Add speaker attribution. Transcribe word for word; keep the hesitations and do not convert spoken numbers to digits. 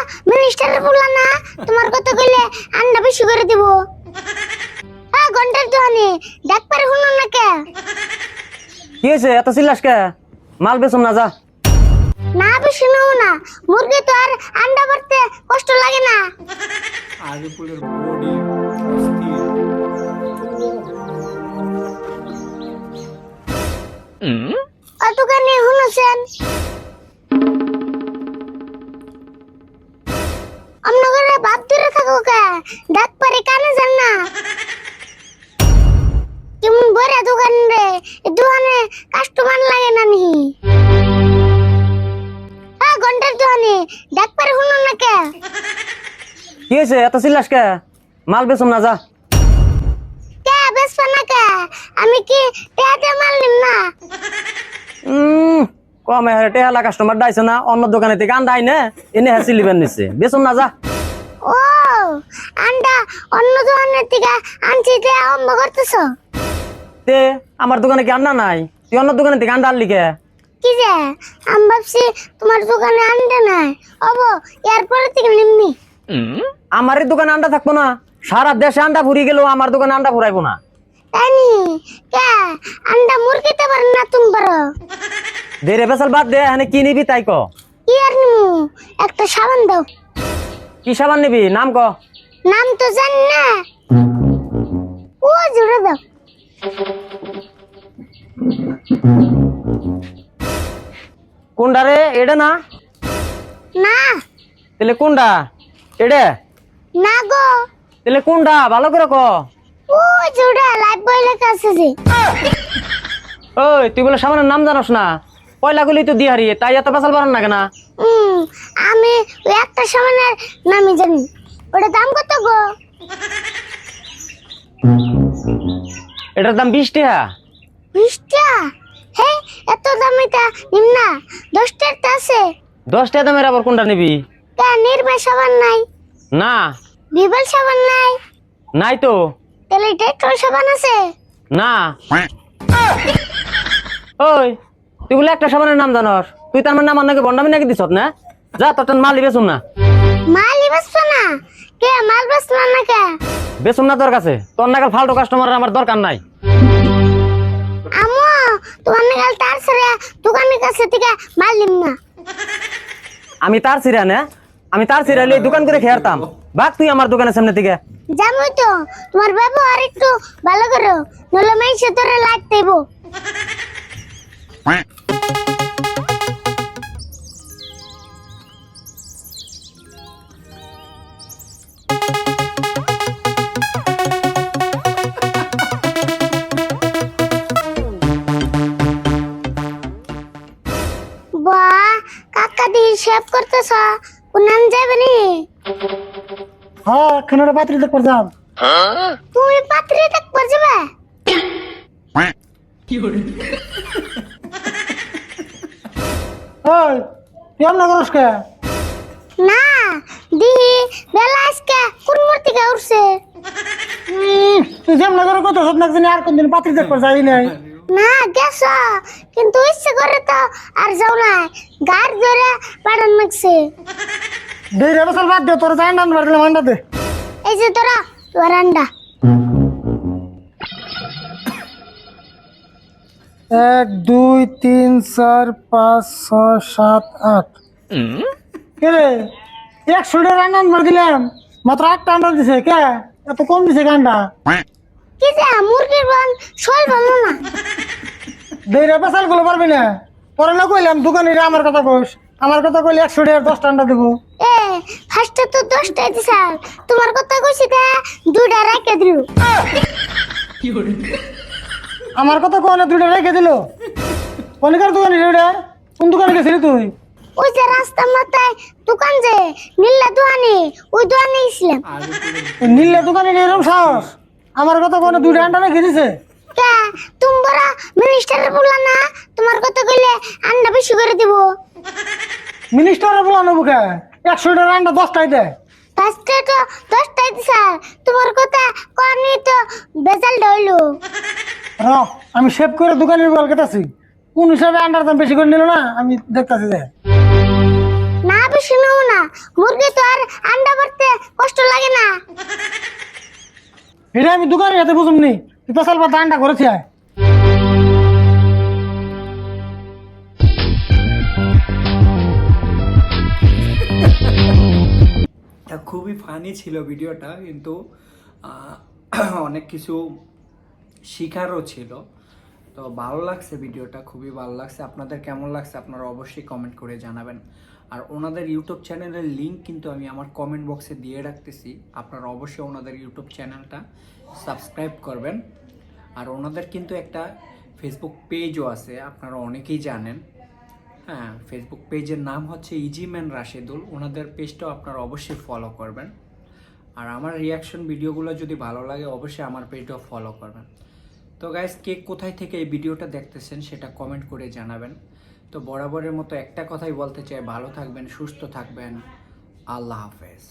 Speaker 1: মিনিস্টারের বললা না তোমার কথা কইলে আন্ডা বেশি করে দিব। হ্যাঁ ঘন্টার দোকানে ডাক পারে শুনুন না কে?
Speaker 2: কি হয়েছে এত চিল্লাস কে? মাল বেচুম না যা।
Speaker 1: না বেশি নেও না, মুরগি তো আর আন্ডা পারতে কষ্ট লাগে না।
Speaker 3: আগে পুলের বডি অস্থির।
Speaker 1: ও দোকানে শুনেছেন আমরা ঘরে ভাত ধরে থাকো কে? ডাক পারে কানে যান না কেমন বড় দোকান রে, এই দোকানে কাস্টমার লাগে না নি? হ্যাঁ ঘন্টার দোকানে ডাক পারে শুনুন না কে?
Speaker 2: কি হয়েছে এত চিল্লাস কে? মাল বেচুম না যা।
Speaker 1: কে বেসবা না কে? আমি কি টেহাতে মাল নিম না?
Speaker 2: উম কমে হারে টেহালা কাস্টমার ডাইছে না, অন্য দোকানে থেকে আন্ডা আইনে এনে হ্যাঁ সিলিবেন নিচ্ছে, বেচুম না যা।
Speaker 1: ও আন্ডা অন্য দোকানের থেকে আনছি তে আরম্ভ করতেছ?
Speaker 2: তে আমার দোকানে কি আন্ডা নাই? তুই অন্য দোকানে থেকে আন্ডা আনলি কে?
Speaker 1: কি যে আমি ভাবছি তোমার দোকানে আন্ডা নাই, অব এরপরে থেকে নিমনি।
Speaker 2: আমার এই দোকানে আন্ডা থাকবো না? সারা দেশে আন্ডা ফুরিয়ে গেলেও আমার দোকানে আন্ডা ফুরাইবো না।
Speaker 1: তাই নি? কে আন্ডা মুরগিতে পারেন না তুমি পারো?
Speaker 2: দেরে বেসাল বাদ দে, এখানে কি নিবি তাই ক।
Speaker 1: কি আর নিমু, একটা সাবান দাও।
Speaker 2: কি সাবান নিবি নাম ক।
Speaker 1: নাম তো জানি না, ও জুড়ে দাও।
Speaker 2: কোনটা রে? এটা না?
Speaker 1: না
Speaker 2: তাহলে কোনটা? এটা?
Speaker 1: না গো,
Speaker 2: তাহলে কোনটা ভালো করে ক।
Speaker 1: ও জুড়ে লাইফ বয় লেখা আছে যে।
Speaker 2: ওই তুই বলে সাবানের নাম জানোস না? পয়লা গুলি তো দিহারি, তাই এত বেসাল পারেন না কেন?
Speaker 1: হুম আমি ওই একটা সাবানের নামই জানি, ওটা দাম কত গো?
Speaker 2: এটার দাম বিশ টাকা।
Speaker 1: বিশ টাকা? হে এত দামে তা নিম না, দশ টাকা আছে।
Speaker 2: দশ টাকা দামের আবার কোনটা নিবি?
Speaker 1: তা নির্মা সাবান নাই?
Speaker 2: না
Speaker 1: বিবল সাবান নাই?
Speaker 2: নাই তো।
Speaker 1: তাহলে ডেটল সাবান আছে?
Speaker 2: না। ওই তুই বলে একটা সাবানের নাম জানোস, তুই তার মানে আমার নাকি বন্ডামি নাকি দিছত না? যা তোর মাল বেচুম না।
Speaker 1: মাল বেচছো না কে? মাল বেচলো না কে?
Speaker 2: বেচুম না তোর কাছে, তোর নাগাল ফালতু কাস্টমার আমার দরকার নাই।
Speaker 1: আমো তোমার নাগাল তার ছেড়ে দোকানের কাছে থেকে মাল নিম না।
Speaker 2: আমি তার সিরা না, আমি তার সিরাইলে দোকান করে খেয়ারতাম। বাক তুই আমার দোকানের সামনে থেকে।
Speaker 1: জানোই তো তোমার ব্যবহার একটু ভালো করো, নলে মাইসে তোরে লাইট দেবো। বাহ কাকা দি শেভ করতেছ, কোনান যাবে নি?
Speaker 4: হ্যাঁ খানাটা পাত্রী দেখবার যাম।
Speaker 1: তুমি পাত্রী দেখবার যাবে?
Speaker 4: ওই তুই এমন করস কে?
Speaker 1: না দিহি বেলা আজকে কোন মূর্তিকে উঠছে।
Speaker 4: উম, তুই যেমন করে কত সব নাকি আর কোনদিন পাত্রী দেখবার যাই নাই।
Speaker 1: না গেছ কিন্তু ইচ্ছে করে তো আর যাও না, গাড় ধরে পাঠান লাগছে।
Speaker 4: দেড় বছর বাদ দে, তোর যাই নাম দিলাম আন্ডা দে।
Speaker 1: এই যে তোরা তোর আন্ডা।
Speaker 4: এক দুই তিন চার পাঁচ ছয় সাত আট। কে রে একশো টাকা আন্ডা আনবার দিলাম, মাত্র আটটা আন্ডা দিছে কে? এত কম দিছে আন্ডা।
Speaker 1: কি যে মুরগির বান শোল ভালো না।
Speaker 4: দেড় বছর গুলো পারবি না, তোরা না কইলাম দোকানে আমার কথা কইস, আমার কথা কইলে একশো টাকার দশটা আন্ডা দেবো।
Speaker 1: এ ফার্স্টে তো দশটাই দিছ, তোমার কথা কইছি তা দুইটা রেখে দিল।
Speaker 4: আমার কথা কোনে দুইটা রেখে দিল? কনিকার দোকানে রে? কোন দোকানে গেছিলি তুই?
Speaker 1: ওই যে রাস্তার মাথায় দোকান যে নীলা দোকানে, ওই দোকানে গেছিলাম।
Speaker 4: নীলের দোকানে এরকম সাহস? আমার কথা কোনে দুইটা আন্ডা রেখে দিছে?
Speaker 1: কে তুমি বড় মিনিস্টারের বললা না তোমার কথা কইলে আন্ডা বেশি করে দিব?
Speaker 4: মিনিস্টারে বলানো বুকে একশো টাকার আন্ডা দশটাই দেয়।
Speaker 1: ফার্স্টে তো দশটাই দিছ, তোমার কথা কনি তো বেজাল হইলো।
Speaker 4: র আমি সেভ করে দোকানের বল কেটাছি, কোন হিসাবে আন্ডার দাম বেশি করে নিল না আমি দেখতাছি যে।
Speaker 1: না বেশি নেও না, মুরগি তো আর আন্ডা পারতে কষ্ট লাগে না।
Speaker 4: এটা আমি দোকানে যেতে বুঝুমনি তুই পেশাল বা দানটা করেছি আয়
Speaker 3: তা খুবই ফানি ছিল ভিডিওটা, কিন্তু আহ, অনেক কিছু শিখারও ছিল। তো ভালো লাগছে ভিডিওটা, খুবই ভালো লাগছে। আপনাদের কেমন লাগছে আপনারা অবশ্যই কমেন্ট করে জানাবেন। আর ওনাদের ইউটিউব চ্যানেলের লিংক কিন্তু আমি আমার কমেন্ট বক্সে দিয়ে রাখতেছি, আপনারা অবশ্যই ওনাদের ইউটিউব চ্যানেলটা সাবস্ক্রাইব করবেন। আর ওনাদের কিন্তু একটা ফেসবুক পেজও আছে, আপনারা অনেকেই জানেন। হ্যাঁ, ফেসবুক পেজের নাম হচ্ছে ইজিম্যান রাশেদুল। ওনাদের পেজটাও আপনারা অবশ্যই ফলো করবেন। আর আমার রিয়াকশন ভিডিওগুলো যদি ভালো লাগে অবশ্যই আমার পেজটাও ফলো করবেন। তো গাইস, কে কোথায় থেকে এই ভিডিওটা দেখতেছেন সেটা কমেন্ট করে জানাবেন। তো বরাবরের মতো একটা কথাই বলতে চাই, ভালো থাকবেন, সুস্থ থাকবেন। আল্লাহ হাফেজ।